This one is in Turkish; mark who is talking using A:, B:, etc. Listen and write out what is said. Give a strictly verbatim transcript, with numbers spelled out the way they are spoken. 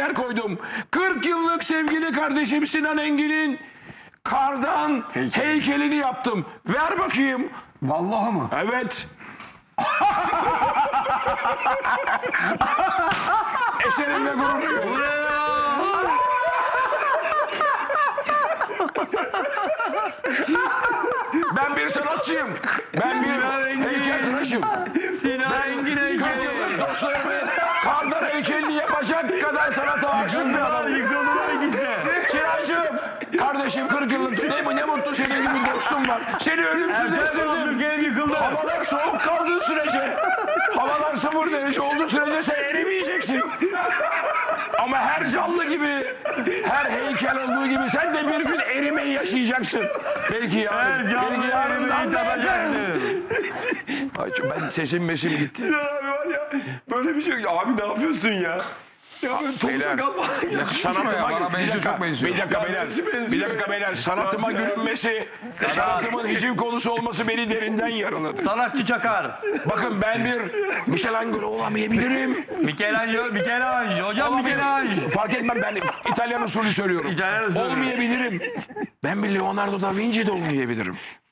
A: heykel koydum. kırk yıllık sevgili kardeşim Sinan Engin'in kardan
B: Heykel.
A: heykelini yaptım. Ver bakayım.
B: Vallahi mı?
A: Evet. Eserimle gurur duyuyorum. Ben bir sanatçıyım. Ben bir heykeltıraşım.
C: Sinan Engin heykeli.
A: Dostlarımı kardan heykelini yapacak kadar sanata aşık bir adamım.
C: Yıkıldılar ikisi de.
A: Sinancığım, kardeşim kırk yıllık ne, ne mutlu senin gibi dostum var. Seni ölümsüzleştirdim.
C: Abdülkerim yıkıldı.
A: Havalar soğuk kaldığı sürece, havalar sıfır derece olduğu sürece sen erimeyeceksin. Ama her canlı gibi, her heykel olduğu gibi sen de bir gün erimeyi yaşayacaksın. Belki yarın,
C: Her canlı
A: belki yarından
C: erimeyi tadacaktı.
A: Ay, ben sesim mesim gitti.
D: Sinan abi var ya böyle bir şey yok. Abi ne yapıyorsun ya? Ya böyle topuza
A: Beyler,
D: kalma.
A: Sanatıma
B: ya, bana
A: bir
B: benziyor,
A: dakika,
B: çok benziyor.
A: Bir dakika
D: Ya,
A: beyler,
D: benziyor, benziyor.
A: bir dakika beyler. Sanatıma
D: Nasıl ya?
A: gülünmesi, sanatımın hiciv konusu olması beni derinden yaraladı.
C: Sanatçı Çakar.
A: Bakın ben bir Michelangelo olamayabilirim.
C: Michelangelo, Michelangelo. Hocam Michelangelo.
A: Fark etmem, ben İtalyan usulü söylüyorum.
C: İtalyan usulü.
A: Olmayabilirim. Ben bir Leonardo da Vinci de olmayabilirim.